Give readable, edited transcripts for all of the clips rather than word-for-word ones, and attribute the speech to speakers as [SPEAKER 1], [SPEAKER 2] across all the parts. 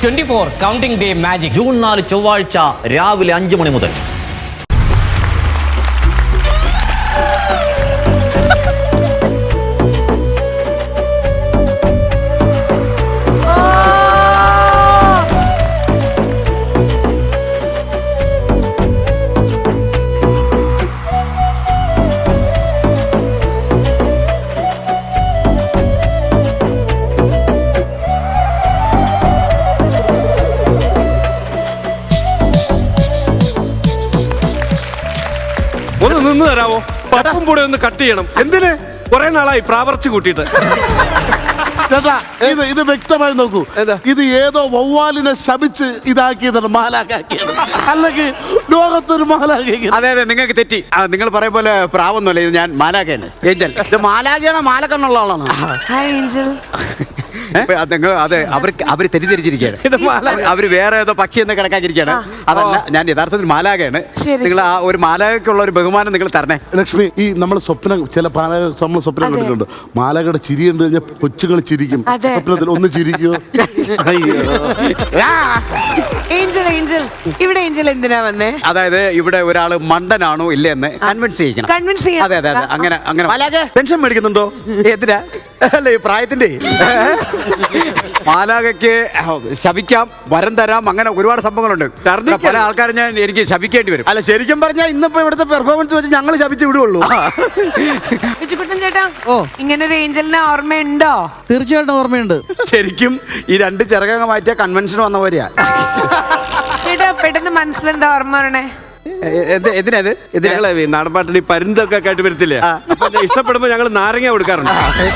[SPEAKER 1] 24 counting day magic
[SPEAKER 2] June 4 ചൊവ്വാഴ്ച രാവിലെ 5 മണി മുതൽ.
[SPEAKER 3] ഒന്ന് നിന്ന് തരാമോ? പപ്പും കൂടെ ഒന്ന് കട്ട് ചെയ്യണം. എന്തിന്? കുറെ നാളായി പ്രാവർത്തി കൂട്ടിയിട്ട്.
[SPEAKER 4] ചേട്ടാ ഇത് വ്യക്തമായി നോക്കൂ. ഇത് ഏതോ വവ്വാലിനെ ശപിച്ച് ഇതാക്കിയതാണ്, മാലാഖാക്കിയത്. അല്ലെങ്കിൽ ലോകത്തൊരു മാലാഖ.
[SPEAKER 5] അതെ അതെ, നിങ്ങൾക്ക് തെറ്റി. നിങ്ങൾ പറയും പോലെ പ്രാവൊന്നുമല്ല, ഇത് ഞാൻ മാലാഖയാണ്. ഏഞ്ചൽ ഇത് മാലാഖയാണോ മാലക്കണ്ണുള്ള ആളാണ്?
[SPEAKER 6] Hi Angel.
[SPEAKER 5] നിങ്ങൾ അതെ, അവര് തെറ്റിദ്ധരിച്ചിരിക്കുകയാണ്. അവര് വേറെ ഏതോ പക്ഷി എന്ന് കിടക്കാതിരിക്കുകയാണ്. അതല്ല, ഞാൻ യഥാർത്ഥത്തിൽ മാലാഖയാണ്. നിങ്ങൾ ആ ഒരു മാലാഖയ്ക്കുള്ള ഒരു ബഹുമാനം നിങ്ങൾ തരണേ.
[SPEAKER 4] ലക്ഷ്മി, ഈ നമ്മൾ സ്വപ്നം ചില നമ്മൾ സ്വപ്നം കണ്ടിട്ടുണ്ട്. മാലാഖയുടെ ചിരി കണ്ടു കഴിഞ്ഞാൽ കൊച്ചുങ്ങൾ ചിരിക്കും. സ്വപ്നത്തിൽ ഒന്ന് ചിരിക്കോ?
[SPEAKER 6] ഏഞ്ചൽ ഏഞ്ചൽ ഇവിടെ ഏഞ്ചൽ എന്തിനാ വന്നേ?
[SPEAKER 5] അതായത് ഇവിടെ ഒരാള് മണ്ടനാണോ ഇല്ലേ എന്ന് കൺവിൻസ് ചെയ്യിക്കണം.
[SPEAKER 6] കൺവിൻസ് ചെയ്യാം.
[SPEAKER 5] അതെ അതെ അതെ, അങ്ങനെ അങ്ങനെ.
[SPEAKER 7] പെൻഷൻ മേടിക്കുന്നുണ്ടോ?
[SPEAKER 5] എന്തിനാ?
[SPEAKER 7] അല്ല, ഈ പ്രായത്തിന്റെ.
[SPEAKER 5] മാലാഖയ്ക്ക് ശപിക്കാം, വരം തരാം, അങ്ങനെ ഒരുപാട് സംഭവങ്ങളുണ്ട്. പല ആൾക്കാരും എനിക്ക് ശപിക്കേണ്ടി വരും.
[SPEAKER 7] അല്ല, ശരിക്കും പറഞ്ഞാൽ ഇന്നിപ്പോ ഇവിടുത്തെ പെർഫോമൻസ് വെച്ച് ഞങ്ങൾ ശപിച്ച് വിടുള്ളൂ.
[SPEAKER 6] ബിജുക്കുട്ടൻ ചേട്ടാ, ഇങ്ങനെ ഒരു ഏഞ്ചലിനെ ഓർമ്മയുണ്ടോ?
[SPEAKER 8] തീർച്ചയായിട്ടും ഓർമ്മയുണ്ട്.
[SPEAKER 7] ശരിക്കും ഈ രണ്ട് ചിറകങ്ങ മാറ്റിയ കൺവെൻഷൻ വന്ന പോലെയാ.
[SPEAKER 6] ചേട്ടാ, പെട്ടെന്ന് മനസ്സിലെന്താ ഓർമ്മ വരണേ?
[SPEAKER 5] എന്തിനാത്?
[SPEAKER 3] ഞങ്ങളെ നാടൻപാട്ടിൽ ഈ പരുന്തൊക്കെ കേട്ട് വരത്തില്ലേ? ഇഷ്ടപ്പെടുമ്പോ ഞങ്ങൾ നാരങ്ങ കൊടുക്കാറുണ്ട്.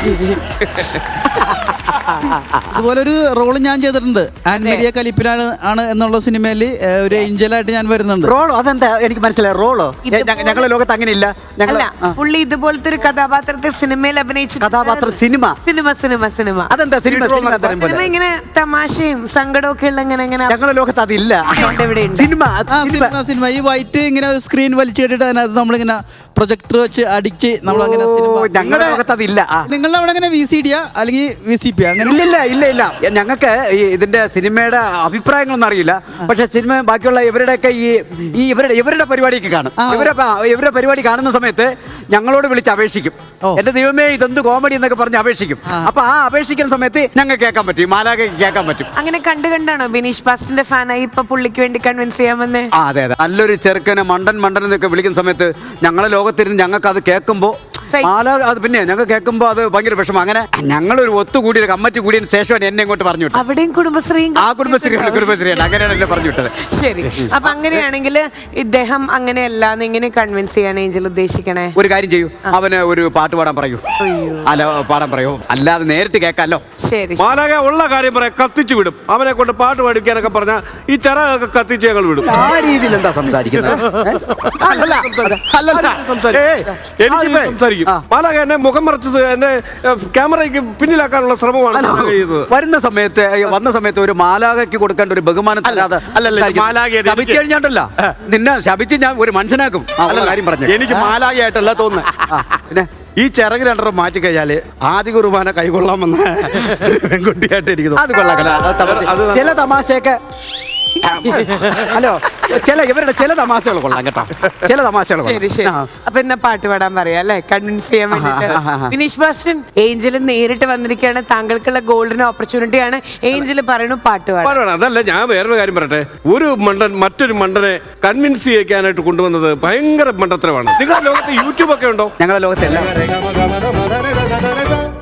[SPEAKER 8] ഇതുപോലൊരു റോള് ഞാൻ ചെയ്തിട്ടുണ്ട്. ആൻമരിയ കലിപ്പിലാണ് എന്നുള്ള സിനിമയിൽ ഒരു ഏഞ്ചലായിട്ട് ഞാൻ വരുന്നുണ്ട്.
[SPEAKER 5] റോളോ? അതെന്താ എനിക്ക് മനസ്സിലായി. റോളോ? ഞങ്ങളുടെ ലോകത്ത് അങ്ങനെ ഇല്ല.
[SPEAKER 6] പുള്ളി ഇതുപോലത്തെ ഒരു കഥാപാത്രത്തെ സിനിമയിൽ അഭിനയിച്ചു.
[SPEAKER 5] കഥാപാത്രം സിനിമ
[SPEAKER 6] സിനിമ സിനിമ സിനിമ
[SPEAKER 5] അതെന്താ സിനിമ?
[SPEAKER 6] സിനിമ ഇങ്ങനെ തമാശയും സങ്കടമൊക്കെ ഉള്ള ഇങ്ങനെ
[SPEAKER 5] ഞങ്ങളുടെ ലോകത്ത് അതില്ല.
[SPEAKER 8] സിനിമ ഈ വൈറ്റ് ഇങ്ങനെ ഒരു സ്ക്രീൻ വലിച്ചു കെട്ടിട്ട് അതിനകത്ത് നമ്മളിങ്ങനെ പ്രൊജക്ടർ വെച്ച് അടിച്ച് നമ്മളങ്ങനെ
[SPEAKER 5] ഞങ്ങളുടെ ലോകത്ത് അതില്ല.
[SPEAKER 8] നിങ്ങളുടെ അവിടെ അങ്ങനെ VCD അല്ലെങ്കിൽ VCP അങ്ങനെ?
[SPEAKER 5] ഇല്ല ഇല്ല ഇല്ല, ഞങ്ങൾക്ക് ഇതിന്റെ സിനിമയുടെ അഭിപ്രായങ്ങളൊന്നും അറിയില്ല. പക്ഷെ സിനിമ ബാക്കിയുള്ള ഇവരുടെയൊക്കെ ഈ ഇവരുടെ പരിപാടിയൊക്കെ കാണും. ഇവരുടെ പരിപാടി കാണുന്ന സമയത്ത് ഞങ്ങളോട് വിളിച്ച് അപേക്ഷിക്കും. എന്റെ ദൈവമേ, ഇതെന്ത് കോമഡി എന്നൊക്കെ പറഞ്ഞ് അപേക്ഷിക്കും. അപ്പൊ ആ അപേക്ഷിക്കുന്ന സമയത്ത് ഞങ്ങൾക്ക് കേൾക്കാൻ പറ്റും, മാലാഖയ്ക്ക് കേൾക്കാൻ പറ്റും.
[SPEAKER 6] അങ്ങനെ കണ്ടാണോ ബിനീഷ് ബാസ്റ്റിന്റെ ഫാനായി ഇപ്പൊ പുള്ളിക്ക് വേണ്ടി കൺവിൻസ് ചെയ്യാൻ വന്നേ?
[SPEAKER 5] അതെ അതെ, നല്ലൊരു ചെറുക്കനെ മണ്ടൻ എന്നൊക്കെ വിളിക്കുന്ന സമയത്ത് ഞങ്ങളെ ലോകത്തിരുന്ന് ഞങ്ങൾക്ക് അത് കേൾക്കുമ്പോ അത് പിന്നെ ഞങ്ങൾ കേൾക്കുമ്പോ അത് ഭയങ്കര വിഷമം. അങ്ങനെ ഞങ്ങളൊരു ഒത്തുകൂടി ഒരു കമ്മിറ്റി കൂടിയതിന് ശേഷമാണ് എന്നെ ഇങ്ങോട്ട് പറഞ്ഞു വിട്ടത്.
[SPEAKER 6] അവിടെയും കുടുംബശ്രീയാണ്.
[SPEAKER 5] അങ്ങനെയാണ് എന്നെ പറഞ്ഞു വിട്ടത്.
[SPEAKER 6] ശരി, അപ്പൊ അങ്ങനെയാണെങ്കിൽ ഇദ്ദേഹം അങ്ങനെയല്ല, എങ്ങനെ കൺവിൻസ് ചെയ്യാൻ ഏഞ്ചൽ ഉദ്ദേശിക്കണേ?
[SPEAKER 5] ഒരു കാര്യം ചെയ്യൂ, അവന് ഒരു പാട്ട് പാടാൻ പറയൂ. അല്ല, പാടാൻ പറയൂ, അല്ലാതെ നേരിട്ട് കേൾക്കാമല്ലോ.
[SPEAKER 6] ശരി,
[SPEAKER 3] മാലാഖ ഉള്ള കാര്യം പറയാം, കത്തിച്ചു വിടും. അവനെ കൊണ്ട് പാട്ട് പാടിക്കാനൊക്കെ പറഞ്ഞാൽ ഈ ചിറകൊക്കെ കത്തിച്ച് ഞങ്ങൾ വിടും.
[SPEAKER 5] ആ രീതിയിൽ എന്താ സംസാരിക്കുന്നത്?
[SPEAKER 3] മാലാഖ എന്നെ മുഖം മറച്ച് എന്നെ ക്യാമറയ്ക്ക് പിന്നിലാക്കാനുള്ള ശ്രമമാണ്
[SPEAKER 5] വന്ന സമയത്ത് ഒരു മാലാഖയ്ക്ക് കൊടുക്കേണ്ട ഒരു ബഹുമാനം ശപിച്ചു കഴിഞ്ഞാണ്ടല്ല, നിന്നെ ശപിച്ച് ഞാൻ ഒരു മനുഷ്യനാക്കും. കാര്യം പറഞ്ഞു,
[SPEAKER 7] എനിക്ക് മാലാഖയായിട്ടല്ല തോന്നുന്നത്.
[SPEAKER 5] പിന്നെ
[SPEAKER 7] ഈ ചിറക് രണ്ടെണ്ണം മാറ്റി കഴിഞ്ഞാല് ആദ്യ കുർബാന കൈകൊള്ളാമെന്ന് പെൺകുട്ടിയായിട്ട് എനിക്ക്
[SPEAKER 5] അത് കൊള്ളാം. ചില തമാശയൊക്കെ ഹലോ, ഇവരുടെ ചില തമാശകൾ കൊള്ളാം കേട്ടോ, ചില തമാശകൾ.
[SPEAKER 6] ശരി ശരി, അപ്പൊ എന്നാ പാട്ട് പാടാൻ പറയാം അല്ലെ, കൺവിൻസ് ചെയ്യാൻ വേണ്ടിട്ട്. ബിനീഷ് ബാസ്റ്റൻ, ഏഞ്ചൽ നേരിട്ട് വന്നിരിക്കുകയാണ്, താങ്കൾക്കുള്ള ഗോൾഡൻ ഓപ്പർച്യൂണിറ്റിയാണ്. ഏഞ്ചൽ പറയണു പാട്ട് പാടാൻ.
[SPEAKER 3] അതല്ല, ഞാൻ വേറൊരു കാര്യം പറയട്ടെ. ഒരു മണ്ടൻ മറ്റൊരു മണ്ടനെ കൺവിൻസ് ചെയ്യിക്കാനായിട്ട് കൊണ്ടുവന്നത് ഭയങ്കര മണ്ടത്തരമാണ്. നിങ്ങളുടെ ലോകത്ത് യൂട്യൂബ് ഒക്കെ ഉണ്ടോ?
[SPEAKER 5] ഞങ്ങളുടെ ലോകത്ത്